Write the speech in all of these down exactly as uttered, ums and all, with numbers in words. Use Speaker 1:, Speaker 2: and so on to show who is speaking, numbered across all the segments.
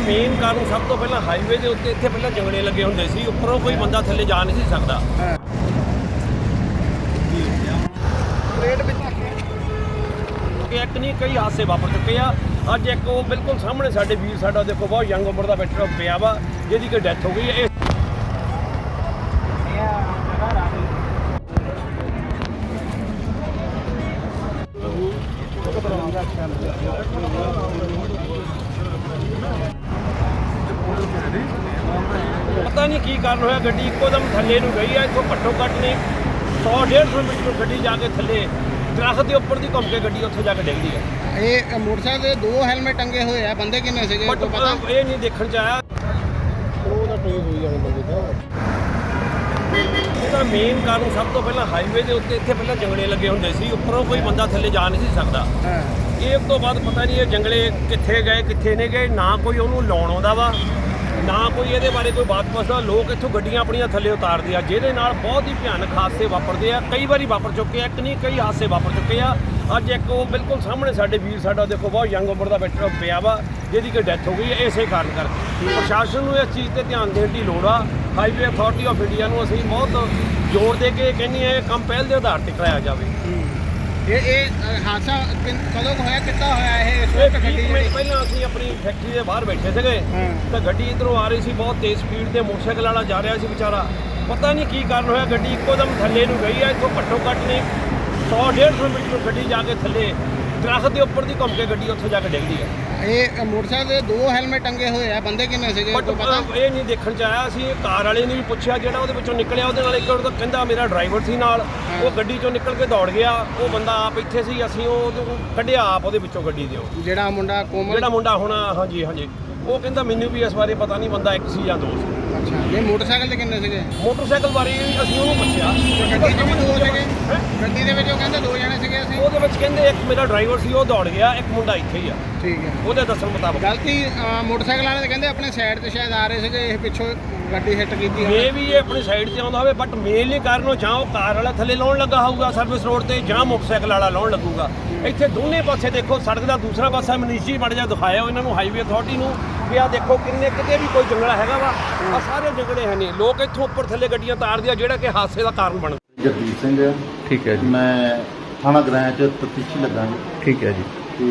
Speaker 1: Main ਕਾਰਨ ਸਭ ਤੋਂ ਪਹਿਲਾਂ ਹਾਈਵੇ ਦੇ ਉੱਤੇ ਇੱਥੇ ਪਹਿਲਾਂ ਜੰਗਲੇ ਲੱਗੇ ਹੁੰਦੇ ਸੀ, ਉੱਪਰੋਂ ਕੋਈ ਬੰਦਾ ਥੱਲੇ ਜਾ ਨਹੀਂ ਸੀ ਸਕਦਾ। ਇੱਕ ਨਹੀਂ ਕਈ ਹਾਦਸੇ ਵਾਪਰ ਚੁੱਕੇ ਆ। ਅੱਜ ਇੱਕ ਉਹ ਬਿਲਕੁਲ ਸਾਹਮਣੇ ਸਾਡੇ ਵੀਰ ਸਾਡਾ ਦੇਖੋ ਬਹੁਤ ਯੰਗ ਉਮਰ ਦਾ ਬੈਠਾ ਪਿਆ ਵਾ, ਜਿਹਦੀ ਕਿ ਡੈਥ ਹੋ ਗਈ ਹੈ। ਪਤਾ ਨਹੀਂ ਕੀ ਕਾਰਨ ਹੋਇਆ, ਗੱਡੀ ਇੱਕੋ ਦਮ ਥੱਲੇ ਨੂੰ ਗਈ ਆ। ਇੱਥੋਂ ਘੱਟੋ ਘੱਟ ਨਹੀਂ ਸੌ ਡੇਢ ਸੌ ਮੀਟਰ ਗੱਡੀ ਜਾ ਕੇ ਥੱਲੇ ਦਰਖਤ ਦੇ ਉੱਪਰ ਦੀ ਘੁੰਮ ਕੇ ਗੱਡੀ ਉੱਥੇ ਜਾ ਕੇ ਡਿੱਗਦੀ ਹੈ।
Speaker 2: ਇਹ ਮੋਟਰਸਾਈਕਲ ਦੇ ਦੋ ਹੈਲਮਟ ਟੰਗੇ ਹੋਏ ਆ, ਬੰਦੇ ਕਿੰਨੇ ਸੀਗੇ
Speaker 1: ਬਟ
Speaker 2: ਪਤਾ
Speaker 1: ਇਹ ਨਹੀਂ ਦੇਖਣ ਚ ਆਇਆ।
Speaker 2: ਉਹਦਾ ਟੋਈ ਹੋਈ ਜਾਣੇ ਬੰਦੇ ਦਾ।
Speaker 1: ਇਹਦਾ ਮੇਨ ਕਾਰਨ ਸਭ ਤੋਂ ਪਹਿਲਾਂ ਹਾਈਵੇ ਦੇ ਉੱਤੇ ਇੱਥੇ ਪਹਿਲਾਂ ਜੰਗਲੇ ਲੱਗੇ ਹੁੰਦੇ ਸੀ, ਉੱਪਰੋਂ ਕੋਈ ਬੰਦਾ ਥੱਲੇ ਜਾ ਨਹੀਂ ਸੀ ਸਕਦਾ।
Speaker 2: ਹਾਂ,
Speaker 1: ਇਹ ਤੋਂ ਬਾਅਦ ਪਤਾ ਨਹੀਂ ਇਹ ਜੰਗਲੇ ਕਿੱਥੇ ਗਏ ਕਿੱਥੇ ਨਹੀਂ ਗਏ, ਨਾ ਕੋਈ ਉਹਨੂੰ ਲਾਉਣ ਆਉਂਦਾ ਵਾ, ਨਾ ਕੋਈ ਇਹਦੇ ਬਾਰੇ ਕੋਈ ਬਾਤ ਪੁੱਛਦਾ। ਲੋਕ ਇੱਥੋਂ ਗੱਡੀਆਂ ਆਪਣੀਆਂ ਥੱਲੇ ਉਤਾਰਦੇ ਆ, ਜਿਹਦੇ ਨਾਲ ਬਹੁਤ ਹੀ ਭਿਆਨਕ ਹਾਦਸੇ ਵਾਪਰਦੇ ਆ। ਕਈ ਵਾਰੀ ਵਾਪਰ ਚੁੱਕੇ ਆ, ਇੱਕ ਨਹੀਂ ਕਈ ਹਾਦਸੇ ਵਾਪਰ ਚੁੱਕੇ ਆ। ਅੱਜ ਇੱਕ ਉਹ ਬਿਲਕੁਲ ਸਾਹਮਣੇ ਸਾਡੇ ਵੀਰ ਸਾਡਾ ਦੇਖੋ ਬਹੁਤ ਯੰਗ ਉਮਰ ਦਾ ਬੈਠਾ ਪਿਆ ਵਾ, ਜਿਹਦੀ ਕਿ ਡੈਥ ਹੋ ਗਈ ਹੈ ਇਸੇ ਕਾਰਨ ਕਰਕੇ। ਪ੍ਰਸ਼ਾਸਨ ਨੂੰ ਇਸ ਚੀਜ਼ ਤੇ ਧਿਆਨ ਦੇਣ ਦੀ ਲੋੜ ਆ। ਹਾਈਵੇ ਅਥਾਰਟੀ ਆਫ ਇੰਡੀਆ ਨੂੰ ਅਸੀਂ ਬਹੁਤ ਜ਼ੋਰ ਦੇ ਕੇ ਕਹਿੰਦੇ ਆ ਇਹ ਕੰਮ ਪਹਿਲ ਦੇ ਆਧਾਰ ਤੇ ਕਰਾਇਆ ਜਾਵੇ।
Speaker 2: ਇਹ ਇਹ ਹਾਦਸਾ ਕਿਨ- ਕਦੋਂ ਕੁ ਹੋਇਆ, ਕਿੱਦਾਂ ਹੋਇਆ ਇਹ? ਇਸ
Speaker 1: ਇਹ
Speaker 2: ਵਕਤ
Speaker 1: ਵੀਹ
Speaker 2: ਗੱਡੀ
Speaker 1: ਮਿੰਟ
Speaker 2: ਜਿਹੜੀ
Speaker 1: ਪਹਿਲਾਂ ਅਸੀਂ ਆਪਣੀ ਫੈਕਟਰੀ ਦੇ ਬਾਹਰ ਬੈਠੇ ਸੀਗੇ
Speaker 2: ਹਾਂ।
Speaker 1: ਤਾਂ ਗੱਡੀ ਇੱਧਰੋਂ ਆ ਰਹੀ ਸੀ ਬਹੁਤ ਤੇਜ਼ ਸਪੀਡ ਤੇ, ਮੋਟਰਸਾਈਕਲ ਵਾਲਾ ਜਾ ਰਿਹਾ ਸੀ ਵਿਚਾਰਾ। ਪਤਾ ਨਹੀਂ ਕੀ ਕਾਰਨ ਹੋਇਆ, ਗੱਡੀ ਇੱਕੋ ਦਮ ਥੱਲੇ ਨੂੰ ਗਈ ਆ। ਇੱਥੋਂ ਘੱਟੋ ਘੱਟ ਨਹੀਂ ਸੌ ਡੇਢ ਸੌ ਮੀਟਰ ਗੱਡੀ ਜਾ ਕੇ ਥੱਲੇ ਦਰਖਤ ਦੇ ਉੱਪਰ ਦੀ ਘੁੰਮ ਕੇ ਗੱਡੀ ਉੱਥੇ ਜਾ ਕੇ ਡਿੱਗਦੀ ਹੈ।
Speaker 2: ਇਹ ਮੋਟਰਸਾਈਕਲ ਦੇ ਦੋ ਹੈਲਮਟ ਟੰਗੇ ਹੋਏ ਆ, ਬੰਦੇ ਕਿੰਨੇ ਸੀਗੇ
Speaker 1: ਬਟ
Speaker 2: ਪਤਾ
Speaker 1: ਇਹ ਨਹੀਂ ਦੇਖਣ ਚ ਆਇਆ। ਅਸੀਂ ਕਾਰ ਵਾਲੇ ਨੂੰ ਵੀ ਪੁੱਛਿਆ, ਜਿਹੜਾ ਉਹਦੇ ਵਿੱਚੋਂ ਨਿਕਲਿਆ ਉਹਦੇ ਨਾਲ ਇੱਕ ਉਹ ਕਹਿੰਦਾ ਮੇਰਾ ਡਰਾਈਵਰ ਸੀ ਨਾਲ, ਉਹ ਗੱਡੀ ਚੋਂ ਨਿਕਲ ਕੇ ਦੌੜ ਗਿਆ। ਉਹ ਬੰਦਾ ਆਪ ਇੱਥੇ ਸੀ, ਅਸੀਂ ਉਹ ਕੱਢਿਆ ਆਪ ਉਹਦੇ ਵਿੱਚੋਂ ਗੱਡੀ ਦੇ। ਉਹ
Speaker 2: ਜਿਹੜਾ ਮੁੰਡਾ ਕੋਮਲ
Speaker 1: ਜਿਹੜਾ ਮੁੰਡਾ ਹੋਣਾ, ਹਾਂਜੀ ਹਾਂਜੀ, ਉਹ ਕਹਿੰਦਾ ਮੈਨੂੰ ਵੀ ਇਸ ਬਾਰੇ ਪਤਾ ਨਹੀਂ, ਬੰਦਾ ਇੱਕ ਸੀ ਜਾਂ ਦੋ ਸੀ।
Speaker 2: ਅੱਛਾ, ਇਹ ਮੋਟਰਸਾਈਕਲ ਤੇ ਕਿੰਨੇ ਸੀਗੇ?
Speaker 1: ਮੋਟਰਸਾਈਕਲ ਬਾਰੇ ਅਸੀਂ ਉਹਨੂੰ ਪੁੱਛਿਆ,
Speaker 2: ਗੱਡੀ 'ਚ ਵੀ ਦੋ ਸੀਗੇ? ਗੱਡੀ ਦੇ ਵਿੱਚ ਉਹ ਕਹਿੰਦੇ ਦੋ ਜਣੇ ਸੀਗੇ ਅਸੀਂ।
Speaker 1: ਉਹਦੇ ਵਿੱਚ ਕਹਿੰਦੇ ਇੱਕ ਮੇਰਾ ਡਰਾਈਵਰ ਸੀ ਉਹ ਦੌੜ ਗਿਆ, ਇੱਕ ਮੁੰਡਾ ਇੱਥੇ ਹੀ ਆ
Speaker 2: ਠੀਕ ਹੈ।
Speaker 1: ਉਹਦੇ ਦੱਸਣ ਮੁਤਾਬਕ।
Speaker 2: ਗਲਤੀ ਅ, ਮੋਟਰਸਾਈਕਲ ਵਾਲੇ ਕਹਿੰਦੇ ਆਪਣੇ ਸਾਈਡ ਤੇ ਸ਼ਾਇਦ ਆ ਰਹੇ ਸੀਗੇ, ਇਹ ਪਿੱਛੋਂ ਗੱਡੀ ਹਿੱਟ ਕੀਤੀ ਹੋਣੀ।
Speaker 1: ਮੇ ਵੀ ਇਹ ਆਪਣੀ ਸਾਈਡ ਤੇ ਆਉਂਦਾ ਹੋਵੇ, ਬਟ ਮੇਨਲੀ ਕਾਰਨ ਉਹ ਜਾਂ ਉਹ ਕਾਰ ਵਾਲਾ ਥੱਲੇ ਲਾਉਣ ਲੱਗਾ ਹੋਊਗਾ ਸਰਵਿਸ ਰੋਡ ਤੇ, ਜਾਂ ਮੋਟਰਸਾਈਕਲ ਵਾਲਾ ਲਾਉਣ ਲੱਗੂਗਾ। ਇੱਥੇ ਦੋਨੇ ਪਾਸੇ ਦੇਖੋ, ਸੜਕ ਦਾ ਦੂਸਰਾ ਪਾਸਾ ਮਨੀਸ਼ੀ ਮੜ ਜਾ ਦਿਖਾਇਆ ਇਹਨਾਂ ਨੂੰ ਹਾਈਵੇ ਅਥਾਰਟੀ ਨੂੰ ਵੀ ਆ ਦੇਖੋ ਕਿੰਨੇ ਕਿਤੇ ਵੀ ਕੋਈ ਜੰਗਲਾ ਹੈਗਾ ਵਾ। ਆ ਸਾਰੇ ਜੰਗਲੇ ਹੈ ਨਹੀਂ, ਲੋਕ ਇੱਥੋਂ ਉੱਪਰ ਥੱਲੇ ਗੱਡੀਆਂ ਤਾਰਦੇ ਆ, ਜਿਹੜਾ ਕਿ ਹਾਦਸੇ ਦਾ ਕਾਰਨ ਬਣ।
Speaker 3: ਜਗਦੀਪ ਸਿੰਘ ਹੈ।
Speaker 4: ਠੀਕ ਹੈ ਜੀ।
Speaker 3: ਮੈਂ ਥਾਣਾ ਗ੍ਰਾਂਚ ਚ ਤਫਤੀਸ਼ੀ ਲੱਗਾ ਜੀ।
Speaker 4: ਠੀਕ ਹੈ ਜੀ।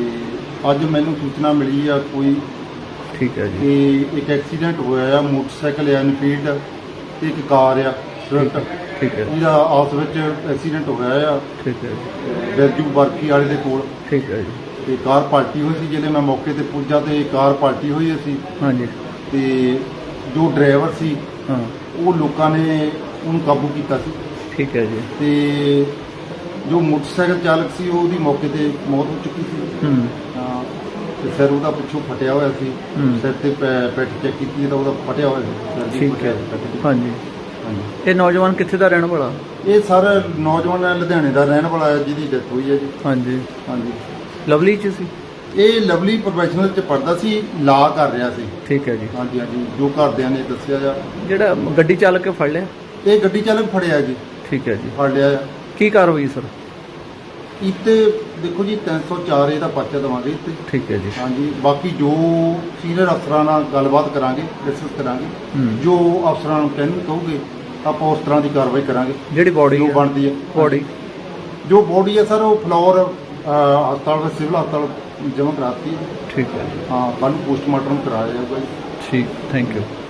Speaker 3: ਤੇ ਅੱਜ ਮੈਨੂੰ ਸੂਚਨਾ ਮਿਲੀ ਆ ਕੋਈ
Speaker 4: ਠੀਕ ਹੈ ਜੀ।
Speaker 3: ਕਿ ਇੱਕ ਐਕਸੀਡੈਂਟ ਹੋਇਆ ਆ, ਮੋਟਰਸਾਈਕਲ ਆ ਇਨਫੀਲਡ ਤੇ ਇੱਕ ਕਾਰ ਆ ਸਵਿਫਟ,
Speaker 4: ਠੀਕ ਹੈ।
Speaker 3: ਇਹਦਾ ਆਪਸ ਵਿੱਚ ਐਕਸੀਡੈਂਟ ਹੋਇਆ ਆ
Speaker 4: ਠੀਕ ਹੈ ਜੀ।
Speaker 3: ਬੈਜੂ ਬਰਕੀ ਵਾਲੇ ਦੇ ਕੋਲ।
Speaker 4: ਠੀਕ ਹੈ ਜੀ।
Speaker 3: ਤੇ ਕਾਰ ਪਲਟੀ ਹੋਈ ਸੀ, ਜਦੋਂ ਮੈਂ ਮੌਕੇ ਤੇ ਪੁੱਜਾ ਤੇ ਕਾਰ ਪਲਟੀ ਹੋਈ ਸੀ।
Speaker 4: ਹਾਂਜੀ।
Speaker 3: ਤੇ ਜੋ ਡਰਾਈਵਰ ਸੀ
Speaker 4: ਹਾਂ।
Speaker 3: ਉਹ ਲੋਕਾਂ ਨੇ ਉਹਨੂੰ ਕਾਬੂ ਕੀਤਾ ਸੀ।
Speaker 4: ਠੀਕ ਹੈ ਜੀ।
Speaker 3: ਤੇ ਜੋ ਮੋਟਰਸਾਈਕਲ ਚਾਲਕ ਸੀ ਉਹਦੀ ਮੌਕੇ ਤੇ ਮੌਤ ਹੋ ਚੁੱਕੀ ਸੀ।
Speaker 4: ਹੂੰ।
Speaker 3: ਹਾਂ, ਤੇ ਸਿਰ ਉਹਦਾ ਪਿੱਛੋਂ ਫਟਿਆ ਹੋਇਆ ਸੀ।
Speaker 4: ਹੂੰ।
Speaker 3: ਸਿਰ ਤੇ ਪੈ- ਪਿੱਠ ਚੈੱਕ ਕੀਤੀ ਤਾਂ ਉਹਦਾ ਫਟਿਆ ਹੋਇਆ ਸੀ ਸਿਰ ਦੀ
Speaker 4: ਠੀਕ
Speaker 3: ਫਟਿਆ
Speaker 4: ਹੈ।
Speaker 3: ਪਿੱਠ ਦੀ।
Speaker 4: ਹਾਂਜੀ।
Speaker 3: ਹਾਂਜੀ।
Speaker 4: ਇਹ ਨੌਜਵਾਨ ਕਿੱਥੇ ਦਾ ਰਹਿਣ ਵਾਲਾ?
Speaker 3: ਇਹ ਸਰ ਨੌਜਵਾਨ ਲੁਧਿਆਣੇ ਦਾ ਰਹਿਣ ਵਾਲਾ ਹੈ, ਜਿਹਦੀ ਡੈਥ ਹੋਈ ਹੈ ਜੀ।
Speaker 4: ਹਾਂਜੀ।
Speaker 3: ਹਾਂਜੀ।
Speaker 4: ਲਵਲੀ ਚ ਸੀ?
Speaker 3: ਇਹ ਲਵਲੀ ਪ੍ਰੋਫੈਸ਼ਨਲ ਚ ਪੜਦਾ ਸੀ, ਲਾ ਕਰ ਰਿਹਾ ਸੀ।
Speaker 4: ਠੀਕ ਹੈ ਜੀ।
Speaker 3: ਹਾਂਜੀ ਹਾਂਜੀ, ਜੋ ਘਰਦਿਆਂ ਨੇ ਦੱਸਿਆ ਜਾ।
Speaker 4: ਜਿਹੜਾ ਗੱਡੀ ਚਾਲਕ ਕੇ ਫੜ ਲਿਆ?
Speaker 3: ਇਹ ਗੱਡੀ ਚਾਲਕ ਫੜਿਆ ਜੀ।
Speaker 4: ਠੀਕ ਹੈ ਜੀ।
Speaker 3: ਫੜ ਲਿਆ ਆ।
Speaker 4: ਕੀ ਕਾਰਵਾਈ ਸਰ?
Speaker 3: ਇੱਥੇ ਦੇਖੋ ਜੀ ਤਿੰਨ ਸੌ ਚਾਰ ਇਹਦਾ ਪਰਚਾ ਦੇਵਾਂਗੇ ਇੱਥੇ।
Speaker 4: ਠੀਕ ਹੈ ਜੀ।
Speaker 3: ਹਾਂਜੀ, ਬਾਕੀ ਜੋ ਸੀਨੀਅਰ ਅਫਸਰਾਂ ਨਾਲ ਗੱਲਬਾਤ ਕਰਾਂਗੇ, ਡਿਸਕਸ ਕਰਾਂਗੇ।
Speaker 4: ਹੂੰ।
Speaker 3: ਜੋ ਅਫਸਰਾਂ ਨੂੰ ਕਹਿਣ ਕਹੋਗੇ ਆਪਾਂ ਉਸ ਤਰ੍ਹਾਂ ਦੀ ਕਾਰਵਾਈ ਕਰਾਂਗੇ
Speaker 4: ਜਿਹੜੀ ਬੋਡੀ
Speaker 3: ਜੋ ਬਣਦੀ ਹੈ।
Speaker 4: ਬੋਡੀ
Speaker 3: ਜੋ ਬੋਡੀ ਹੈ ਸਰ ਉਹ ਫਲੋਰ ਹਸਪਤਾਲ ਵਿੱਚ ਸਿਵਲ ਹਸਪਤਾਲ ਜਮ੍ਹਾਂ ਕਰਾਤੀ ਹੈ।
Speaker 4: ਠੀਕ ਹੈ।
Speaker 3: ਹਾਂ, ਕੱਲ੍ਹ ਨੂੰ ਪੋਸਟਮਾਰਟਮ ਕਰਾਇਆ ਜਾਊਗਾ ਜੀ।
Speaker 4: ਠੀਕ, ਥੈਂਕ ਯੂ।